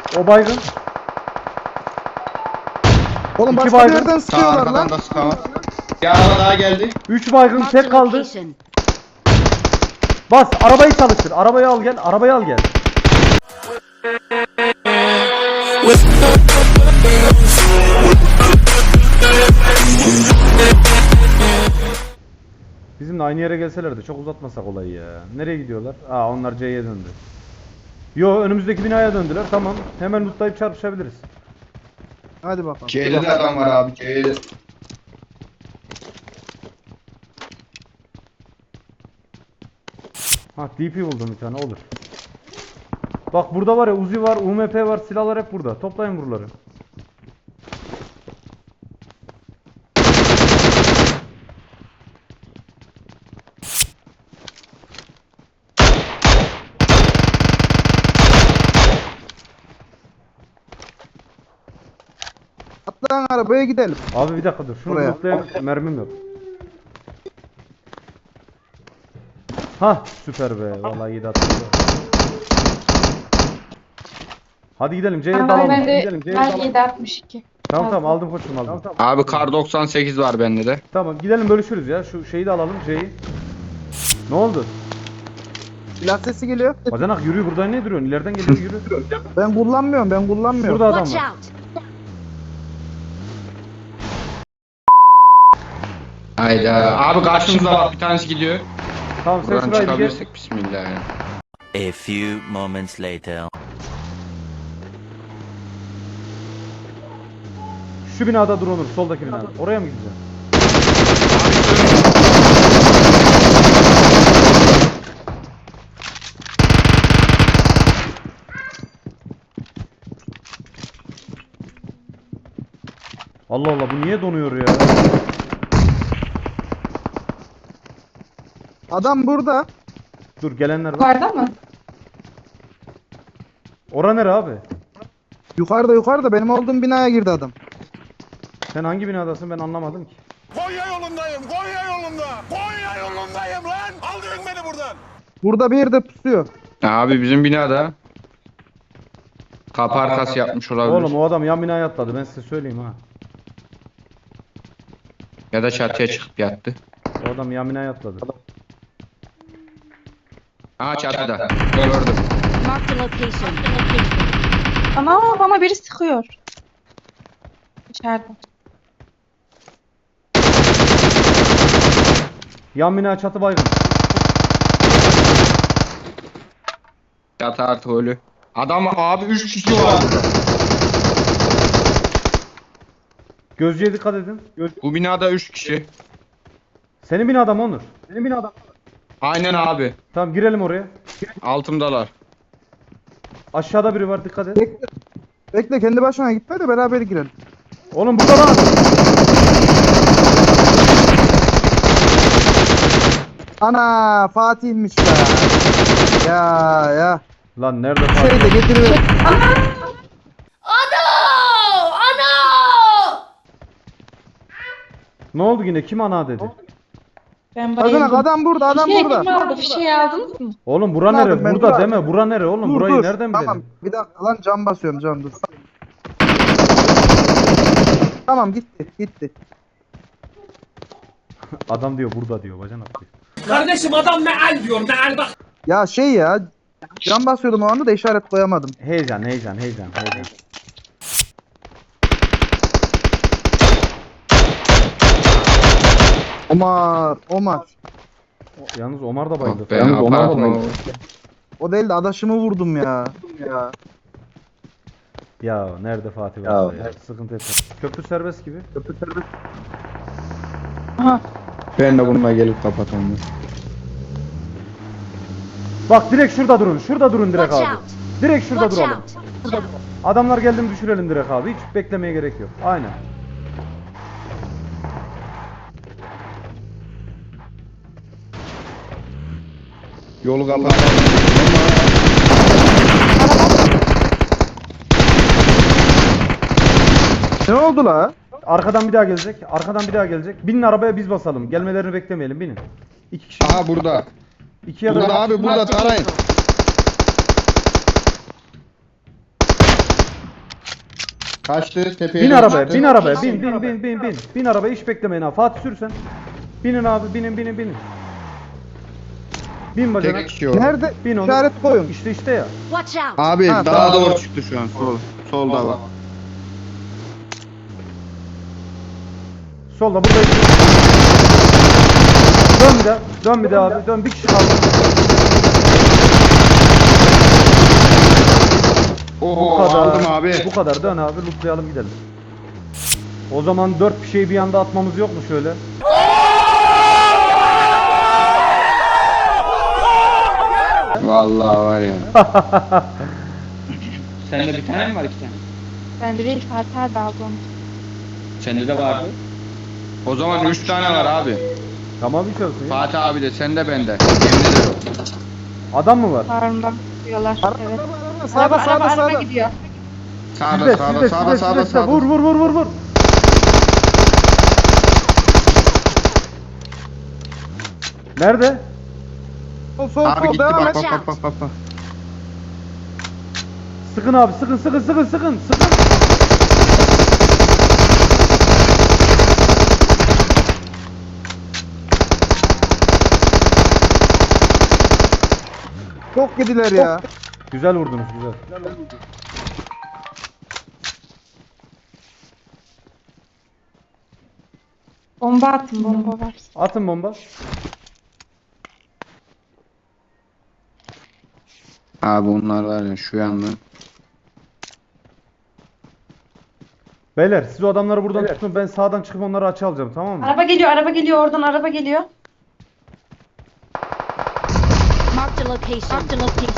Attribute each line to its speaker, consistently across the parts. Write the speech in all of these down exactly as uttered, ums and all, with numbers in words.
Speaker 1: O baygın.
Speaker 2: Oğlum
Speaker 1: İki
Speaker 2: başka bir
Speaker 1: baygın.
Speaker 2: yerden
Speaker 3: Sağ
Speaker 2: sıkıyorlar lan.
Speaker 3: arkadan da sıkan var. Bir araba daha geldi.
Speaker 1: Üç baygın
Speaker 4: Marked a
Speaker 1: tek kaldı.
Speaker 4: location.
Speaker 1: Bas arabayı çalıştır. Arabayı al gel. Arabayı al gel. Bizimle aynı yere gelselerdi çok uzatmasak olayı ya. Nereye gidiyorlar? Aa onlar C'ye döndü. Yo önümüzdeki binaya döndüler. Tamam. Hemen lootlayıp çarpışabiliriz.
Speaker 2: Hadi bakalım.
Speaker 3: C'de de adam var abi. C'de.
Speaker 1: Ha D P buldum bir tane olur. Bak burada var ya Uzi var, U M P var, silahlar hep burada. Toplayın buraları.
Speaker 2: Atlan arabaya gidelim.
Speaker 1: Abi bir dakika dur. Şunu
Speaker 2: Buraya.
Speaker 1: lootlayayım. Mermim yok. Ha süper be. Vallahi iyi de attım. Hadi gidelim. C'ye
Speaker 5: Ama
Speaker 1: dalalım.
Speaker 5: ben de
Speaker 1: Gidelim. C'ye
Speaker 5: ben
Speaker 1: dalalım.
Speaker 5: yedi altmış iki.
Speaker 1: Tamam tamam aldım koçum aldım. Tamam,
Speaker 3: Abi kar doksan sekiz var bende de.
Speaker 1: tamam gidelim bölüşürüz ya. Şu şeyi de alalım C'yi. Ne oldu?
Speaker 2: Silah sesi geliyor.
Speaker 1: Bacanak yürü buradan ne duruyorsun? İleriden geliyor yürü.
Speaker 2: Ben kullanmıyorum ben kullanmıyorum.
Speaker 1: Burada adam
Speaker 4: Watch
Speaker 1: var.
Speaker 4: out.
Speaker 3: Hayda. Abi karşımıza bak bir tanesi gidiyor.
Speaker 1: Tamam sen
Speaker 3: Buradan
Speaker 1: şurayı bir geç.
Speaker 3: çıkabilirsek bismillah ya.
Speaker 6: A few moments later.
Speaker 1: Şu binada dur Onur. Soldaki binada. Oraya mı gideceğim? Allah Allah bu niye donuyor ya?
Speaker 2: Adam burada.
Speaker 1: Dur gelenler var.
Speaker 5: Yukarıda mı?
Speaker 1: Ora nere abi?
Speaker 2: Yukarıda yukarıda benim olduğum binaya girdi adam.
Speaker 1: Sen hangi binadasın ben anlamadım ki.
Speaker 7: Konya yolundayım, Konya yolunda. Konya yolundayım lan. Aldırın beni buradan.
Speaker 2: Burada bir yerde pusuyor.
Speaker 3: Abi bizim binada. Kapı arkası yapmış olabilir.
Speaker 1: Oğlum o adam yan binaya atladı ben size söyleyeyim ha.
Speaker 3: Ya da çatıya çıkıp yattı.
Speaker 1: O adam yan binaya atladı.
Speaker 3: Aa çatıda. Gördüm.
Speaker 4: Marked a location.
Speaker 5: Ana bana biri sıkıyor. İçeride.
Speaker 1: Yan bina çatı baygın.
Speaker 3: Çatı artı ölü. Adam abi üç kişi var.
Speaker 1: Gözcüye dikkat edin. Göz...
Speaker 3: Bu binada üç kişi.
Speaker 1: Senin binada mı Onur? Senin binada.
Speaker 3: Aynen abi.
Speaker 1: Tamam girelim oraya.
Speaker 3: Altımdalar.
Speaker 1: Aşağıda biri var dikkat et.
Speaker 2: Bekle. Bekle kendi başına gitme de beraber girelim.
Speaker 1: Oğlum burada lan.
Speaker 2: Ana Fatih'miş ya. Ya ya.
Speaker 1: Lan nerede
Speaker 2: Şey
Speaker 1: Fatih?
Speaker 2: de getiriver.
Speaker 1: Ne oldu yine? Kim ana dedi?
Speaker 5: Ben
Speaker 2: Bacanak
Speaker 5: bayıldım.
Speaker 2: adam burada adam
Speaker 5: Fişeği
Speaker 2: burada.
Speaker 5: kim aldı? Fişeği aldınız mı?
Speaker 1: Oğlum bura
Speaker 2: Aldım
Speaker 1: nere?
Speaker 2: ben,
Speaker 1: Burada
Speaker 2: dur.
Speaker 1: deme. Bura nere oğlum?
Speaker 2: Dur
Speaker 1: Burayı
Speaker 2: dur.
Speaker 1: nereden
Speaker 2: Tamam
Speaker 1: bilelim?
Speaker 2: bir dakika lan cam basıyorum can dur. Tamam gitti gitti.
Speaker 1: Adam diyor burada diyor bacanak diyor.
Speaker 8: Kardeşim adam meal diyor meal bak.
Speaker 2: Ya şey ya cam basıyordum o anda da işaret koyamadım.
Speaker 1: Heyecan heyecan heyecan heyecan.
Speaker 2: Omar Omar.
Speaker 1: O- Yalnız Omar da bayıldı.
Speaker 3: Ah be, apartman.
Speaker 2: O değil de adaşımı vurdum ya. Ya.
Speaker 1: Ya nerede Fatih var ya? Sıkıntı etme. Köprü serbest gibi. Köprü serbest.
Speaker 5: Aha.
Speaker 3: Ben de bununla gelip kapatalım.
Speaker 1: Bak direkt şurada durun. Şurada durun direkt
Speaker 4: Watch
Speaker 1: abi.
Speaker 4: out.
Speaker 1: Direkt şurada
Speaker 4: Watch
Speaker 1: duralım.
Speaker 4: out.
Speaker 1: Adamlar geldi mi düşürelim direkt abi. Hiç beklemeye gerek yok. Aynen.
Speaker 3: Yolu kapatalım.
Speaker 2: Ne oldu la?
Speaker 1: Arkadan bir daha gelecek. Arkadan bir daha gelecek. Binin arabaya biz basalım. Gelmelerini beklemeyelim. Binin. İki kişi.
Speaker 3: Aha burada.
Speaker 1: İki ya da
Speaker 3: Burada abi burada tarayın. Kaçtı tepeye.
Speaker 1: Bin
Speaker 3: doğru
Speaker 1: arabaya,
Speaker 3: çıktı.
Speaker 1: bin arabaya, bin, bin, bin, bin, bin. Bin arabaya, hiç beklemeyin abi. Fatih sürsen. Binin abi, binin, binin, binin. Bin bacanak.
Speaker 3: Tek kişi orada.
Speaker 2: Nerede?
Speaker 1: Bin onu.
Speaker 2: İşaret koyun.
Speaker 1: İşte işte ya.
Speaker 4: Watch out!
Speaker 3: Abi
Speaker 2: Ha,
Speaker 3: daha
Speaker 2: tamam.
Speaker 3: doğru çıktı şu an sol. Solda bak.
Speaker 1: Solda burada. Dön bir de. Dön bir de abi. Dön, bir kişi kaldı.
Speaker 3: Oho
Speaker 1: Bu kadar.
Speaker 3: aldım abi.
Speaker 1: Bu kadar. Dön abi. Lootlayalım gidelim. O zaman dört bir şeyi bir anda atmamız yok mu şöyle?
Speaker 3: Vallahi var ya.
Speaker 8: Sende bir tane mi var iki tane?
Speaker 5: Ben de değil Fatih abi aldı onu.
Speaker 8: Sende de vardı.
Speaker 3: O zaman üç tane var abi.
Speaker 1: Tamam, hiç olsun ya.
Speaker 3: Fatih abi de sende bende. Yemin ederim.
Speaker 1: Adam mı var?
Speaker 5: Sağından diyorlar. Evet.
Speaker 2: Sağda
Speaker 5: Araba
Speaker 2: sağda
Speaker 5: araba
Speaker 2: sağda.
Speaker 5: araba gidiyor.
Speaker 3: Sağda
Speaker 1: Sizde,
Speaker 3: sağda
Speaker 1: sizde,
Speaker 3: sağda
Speaker 1: sizde,
Speaker 3: sağda
Speaker 1: sizde.
Speaker 3: sağda.
Speaker 1: Vur, vur, vur, vur, vur. Nerede?
Speaker 2: Sol sol
Speaker 3: Abi
Speaker 2: sol
Speaker 3: gitti
Speaker 2: devam
Speaker 3: bak
Speaker 2: et.
Speaker 3: bak bak bak bak. bak.
Speaker 1: Sıkın abi, sıkın, sıkın, sıkın, sıkın, sıkın.
Speaker 2: Çok gidiler ya.
Speaker 1: Güzel vurdunuz, güzel.
Speaker 5: Bomba attım, bomba var.
Speaker 1: Atın bomba.
Speaker 3: Abi onlar var ya şu yanda.
Speaker 1: Beyler, siz o adamları buradan tutun, ben sağdan çıkıp onları açı alacağım, tamam mı?
Speaker 5: Araba geliyor, araba geliyor oradan araba geliyor.
Speaker 4: Marked a location. Marked a location.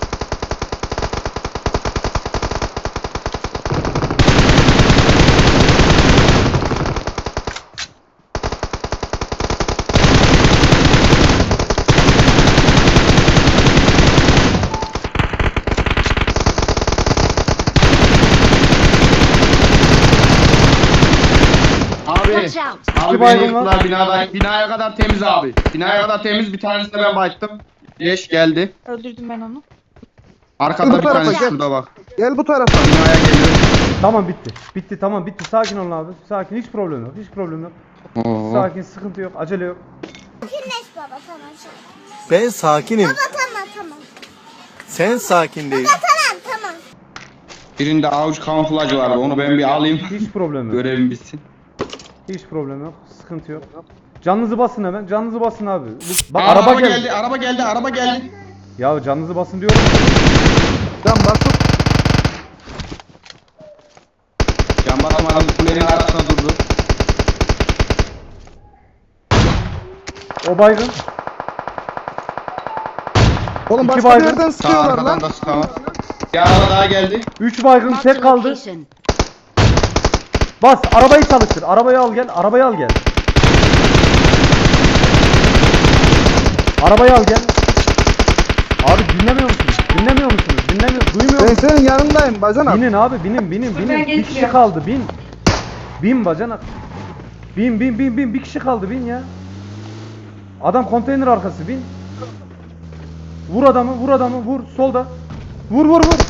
Speaker 3: Abi.
Speaker 4: Watch out!
Speaker 3: Abi
Speaker 1: İki
Speaker 3: beni
Speaker 1: baygın var.
Speaker 3: yıktılar binada. Binaya kadar temiz abi. Binaya kadar temiz, bir tanesine ben bayttım. Leş geldi.
Speaker 5: Öldürdüm ben onu.
Speaker 3: Arkada
Speaker 2: Bu
Speaker 3: bir
Speaker 2: tarafa
Speaker 3: tanesi
Speaker 2: gel.
Speaker 3: şurada bak.
Speaker 2: Gel bu tarafa.
Speaker 3: Binaya geliyor.
Speaker 1: Tamam, bitti. Bitti, tamam, bitti. Sakin olun abi. Sakin, hiç problem yok, hiç problem yok.
Speaker 3: Oo.
Speaker 1: Sakin, sıkıntı yok, acele yok.
Speaker 9: Sakinleş baba tamam.
Speaker 10: Ben sakinim.
Speaker 9: Baba tamam tamam.
Speaker 10: Sen sakin değil.
Speaker 9: Tamam tamam.
Speaker 3: Birinde avuç kamuflajı vardı. Onu ben bir alayım.
Speaker 1: Hiç problem yok.
Speaker 3: Görevim bitsin.
Speaker 1: Hiç problem yok, sıkıntı yok. Canınızı basın hemen, canınızı basın abi. Bu- Bak
Speaker 3: Aa,
Speaker 1: araba,
Speaker 3: araba
Speaker 1: geldi.
Speaker 3: geldi. Araba geldi. Araba geldi.
Speaker 1: Ya canınızı basın diyorum.
Speaker 2: Can basıp
Speaker 3: Can basamadım. Kulenin arkasına durdu.
Speaker 1: O baygın.
Speaker 2: oğlum
Speaker 1: İki
Speaker 2: başka bir
Speaker 1: baygın.
Speaker 2: yerden
Speaker 3: Sağ
Speaker 2: sıkıyorlar
Speaker 3: arkadan
Speaker 2: lan.
Speaker 3: da sıkamam. Bir araba daha geldi.
Speaker 1: Üç baygın,
Speaker 4: Marked
Speaker 1: tek
Speaker 4: a
Speaker 1: kaldı.
Speaker 4: location.
Speaker 1: Bas, arabayı çalıştır. Arabayı al gel, arabayı al gel. Arabayı al gel. Abi dinlemiyor musunuz? Dinlemiyor musunuz? Dinlemiyor, duymuyor
Speaker 2: Ben
Speaker 1: musunuz?
Speaker 2: senin yanındayım bacanak.
Speaker 1: Binin abi, binin, binin, binin.
Speaker 5: Ben
Speaker 1: Bir kişi
Speaker 5: getiriyorum.
Speaker 1: kaldı, bin. Bin bacanak. Bin, bin, bin, bin. Bir kişi kaldı, bin ya. Adam konteyner arkası, bin. Vur adamı, vur adamı, vur. Solda. Vur, vur, vur.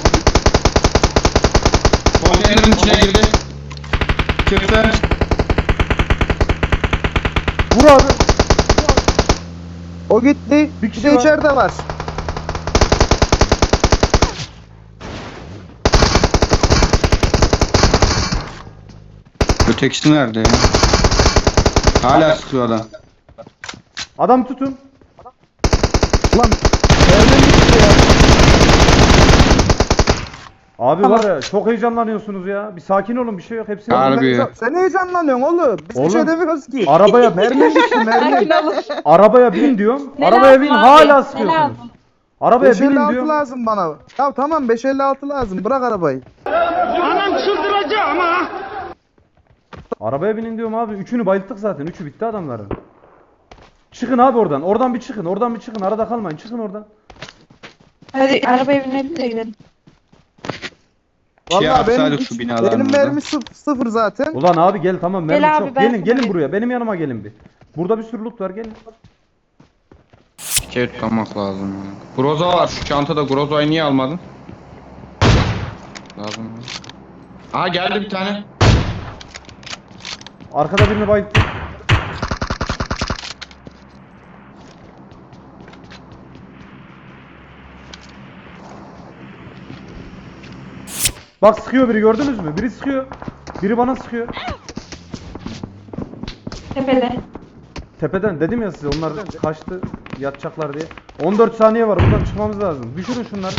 Speaker 3: Konteynerin içine girdi. Çıktı.
Speaker 1: Vur abi.
Speaker 2: O gitti.
Speaker 1: Bir
Speaker 2: Bir
Speaker 1: kişi
Speaker 2: de
Speaker 1: var.
Speaker 2: içeride var.
Speaker 3: Ötekisi nerede ya? Hala sıkıyor adam.
Speaker 1: Adam tutun.
Speaker 2: Ulan nereden gitti ya?
Speaker 1: Abi
Speaker 2: Tamam.
Speaker 1: var ya, çok heyecanlanıyorsunuz ya. Bir sakin olun, bir şey yok. Hepsi
Speaker 3: Harbi ya.
Speaker 2: Sen heyecanlanıyorsun oğlum. Biz bir
Speaker 1: Oğlum,
Speaker 2: şey demiyoruz ki.
Speaker 1: Arabaya
Speaker 2: Mermi düştü mermi.
Speaker 1: arabaya bin diyorum.
Speaker 5: Ne
Speaker 1: Arabaya
Speaker 5: lazım
Speaker 1: bin,
Speaker 5: abi?
Speaker 1: hala
Speaker 5: Ne
Speaker 1: sıkıyorsunuz.
Speaker 5: lazım?
Speaker 1: Arabaya
Speaker 2: beş elli
Speaker 1: binin
Speaker 2: altı
Speaker 1: diyorum.
Speaker 2: lazım bana. Ya tamam beş elli altı lazım. Bırak arabayı.
Speaker 1: Arabaya binin diyorum abi. Üçünü bayılttık zaten. Üçü bitti adamların. Çıkın abi oradan. Oradan bir çıkın. Oradan bir çıkın. Arada kalmayın. Çıkın oradan.
Speaker 5: Hadi arabaya binelim de gidelim.
Speaker 3: Şey
Speaker 2: Vallahi benim,
Speaker 3: yapsaydık
Speaker 2: hiç-
Speaker 3: şu binaların
Speaker 2: benim
Speaker 3: orada.
Speaker 2: mermi sıf- sıfır zaten.
Speaker 1: Ulan abi gel, tamam, mermi
Speaker 5: Gel abi,
Speaker 1: çok.
Speaker 5: ben
Speaker 1: Gelin
Speaker 5: sana
Speaker 1: gelin
Speaker 5: vereyim.
Speaker 1: buraya. Benim yanıma gelin bir. Burada bir sürü loot var, gelin.
Speaker 3: Şeker tutmak lazım ya. Groza var. Şu çantada Groza'yı niye almadın? Lazım. Aha geldi bir tane.
Speaker 1: Arkada birini bayılttım. Bak sıkıyor biri, gördünüz mü? Biri sıkıyor. Biri bana sıkıyor.
Speaker 5: Tepede.
Speaker 1: Tepeden dedim ya size, onlar kaçtı yatacaklar diye. on dört saniye var, buradan çıkmamız lazım. Düşürün şunları.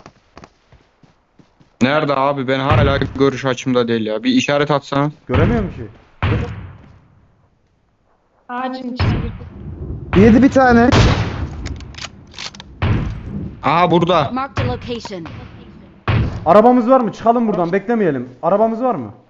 Speaker 3: Nerede abi? Ben hala görüş açımda değil ya. Bir işaret atsana.
Speaker 1: Göremiyorum ki.
Speaker 5: Ağacın içine girdi.
Speaker 2: Yedi bir tane.
Speaker 3: Aha burada.
Speaker 4: Marked a location.
Speaker 1: Arabamız var mı? Çıkalım buradan, beklemeyelim. Arabamız var mı?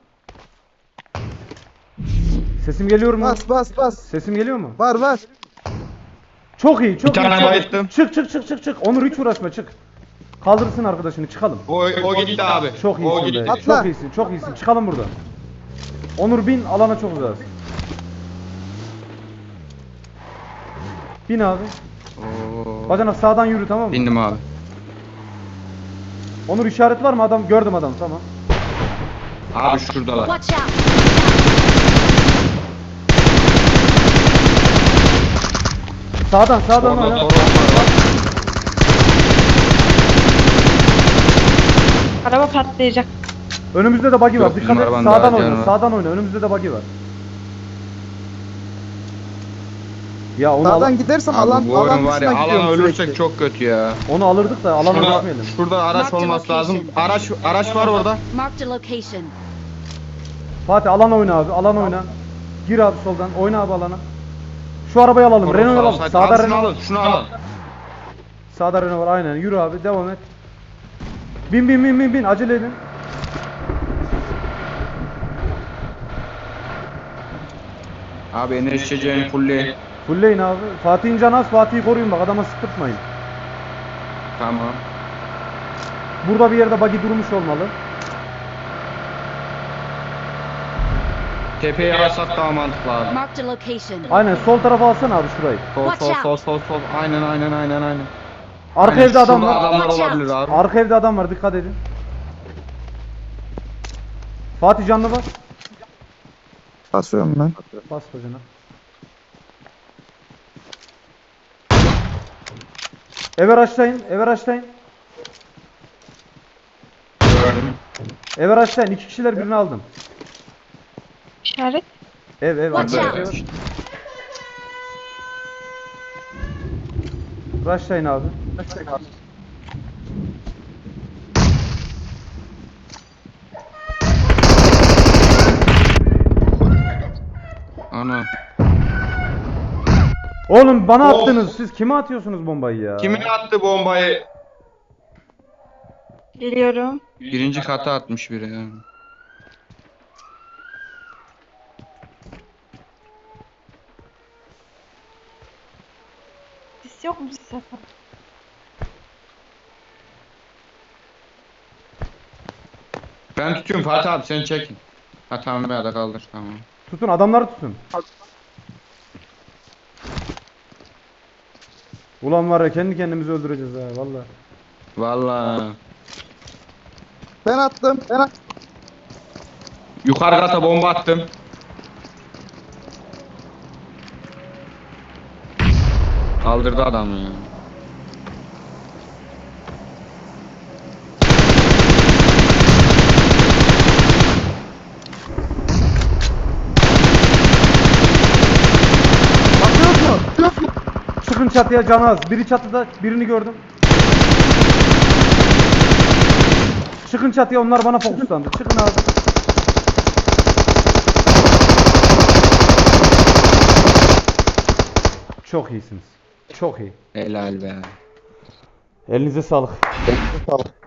Speaker 1: Sesim geliyor mu?
Speaker 2: Bas bas bas.
Speaker 1: Sesim geliyor mu?
Speaker 2: Var var.
Speaker 1: Çok iyi, çok
Speaker 3: Bir
Speaker 1: iyi.
Speaker 3: tane
Speaker 1: çok iyi.
Speaker 3: bayılttım.
Speaker 1: Çık çık çık çık çık. Onur hiç uğraşma, çık. Kaldırsın arkadaşını, çıkalım.
Speaker 3: O, o gitti abi.
Speaker 1: Çok
Speaker 3: O
Speaker 1: iyisin
Speaker 3: gitti.
Speaker 1: be.
Speaker 2: Atla.
Speaker 1: Çok iyisin, çok iyisin. Çıkalım buradan. Onur bin, alana çok uzağız. Bin abi.
Speaker 3: Oo.
Speaker 1: Bacanak sağdan yürü, tamam mı?
Speaker 3: Bindim abi.
Speaker 1: Onur işaret var mı adam? Gördüm adam, tamam.
Speaker 3: Abi şuradalar.
Speaker 4: Watch out.
Speaker 1: Sağdan sağdan
Speaker 3: Orada
Speaker 1: oyna.
Speaker 3: Toros var.
Speaker 5: Araba patlayacak.
Speaker 1: Önümüzde de buggy var.
Speaker 3: Yok,
Speaker 1: Dikkat
Speaker 3: bizim
Speaker 1: et.
Speaker 3: arabanın
Speaker 1: Sağdan
Speaker 3: daha
Speaker 1: oyna.
Speaker 3: canı var.
Speaker 1: Sağdan oyna. Önümüzde de buggy var. Ya onu,
Speaker 2: Sağdan
Speaker 1: al-
Speaker 2: gidersem
Speaker 3: Abi
Speaker 2: alan
Speaker 3: bu
Speaker 2: alan
Speaker 3: oyun var ya,
Speaker 2: dışına
Speaker 3: alan
Speaker 2: gidiyorum
Speaker 3: ölürsek
Speaker 2: sürekli.
Speaker 3: çok kötü ya.
Speaker 1: onu alırdık da alanı
Speaker 3: Şurada,
Speaker 1: bırakmayalım.
Speaker 3: şurada araç
Speaker 4: Marked
Speaker 3: olması lazım.
Speaker 4: location.
Speaker 3: Araç araç var orada.
Speaker 4: Marked a location.
Speaker 1: Fatih alan oyna abi. Alan oyna. Gir abi soldan. Oyna abi alana. Şu arabayı alalım. Renault alalım.
Speaker 3: Sağda
Speaker 1: Sağda
Speaker 3: şunu
Speaker 1: Renault.
Speaker 3: alın, şunu alın.
Speaker 1: Sağda Renault var. Aynen. Yürü abi. Devam et. Bin bin bin bin bin. Acele edin.
Speaker 3: Abi enerjicen fulli.
Speaker 1: Fullleyin abi. Fatih'in canı az. Fatih'i koruyun bak. Adama sıkırtmayın.
Speaker 3: Tamam.
Speaker 1: Burada bir yerde buggy durmuş olmalı.
Speaker 3: Tepeye alsak daha mantıklı abi.
Speaker 4: Marked a location.
Speaker 1: Aynen. Sol tarafa alsana abi şurayı.
Speaker 3: Sol
Speaker 4: Watch
Speaker 3: sol
Speaker 4: out.
Speaker 3: sol sol sol. Aynen aynen aynen aynen.
Speaker 1: Arka
Speaker 3: Aynen,
Speaker 1: evde adam
Speaker 3: şurada
Speaker 1: var.
Speaker 3: adamlar
Speaker 4: Watch out.
Speaker 3: olabilir abi.
Speaker 1: Arka evde adam var. Dikkat edin. Fatih canlı bas.
Speaker 2: Basıyorum ben.
Speaker 1: Bas bacana. Eve açlayın. Eve açlayın.
Speaker 3: Gördüm.
Speaker 1: Eve açlayın. İki kişiler birini aldım.
Speaker 5: İşaret.
Speaker 1: Ev ev.
Speaker 4: Watch
Speaker 1: arka
Speaker 4: out.
Speaker 1: ev. Rushlayın abi.
Speaker 3: Ana.
Speaker 1: Oğlum bana
Speaker 3: Of.
Speaker 1: attınız. Siz kime atıyorsunuz bombayı ya?
Speaker 3: Kimin attı bombayı?
Speaker 5: Geliyorum.
Speaker 3: Birinci kata atmış biri yani.
Speaker 5: Sis yok mu sis yapan?
Speaker 3: Ben tutuyorum Fatih abi, sen çekin. Ha tamam, ya da kaldır, tamam.
Speaker 1: Tutun adamları tutun. Ulan var ya kendi kendimizi öldüreceğiz ha vallahi.
Speaker 3: Vallahi.
Speaker 2: Ben attım. Ben attım.
Speaker 3: Yukarı kata bomba attım. Kaldırdı adamı ya.
Speaker 1: Bakıyor mu? Çıkın çatıya canı az. Biri çatıda, birini gördüm. Çıkın çatıya, onlar bana fokuslandı. Çıkın abi. Çok iyisiniz. Çok iyi.
Speaker 3: Helal be.
Speaker 1: Elinize sağlık.
Speaker 2: Sağ ol.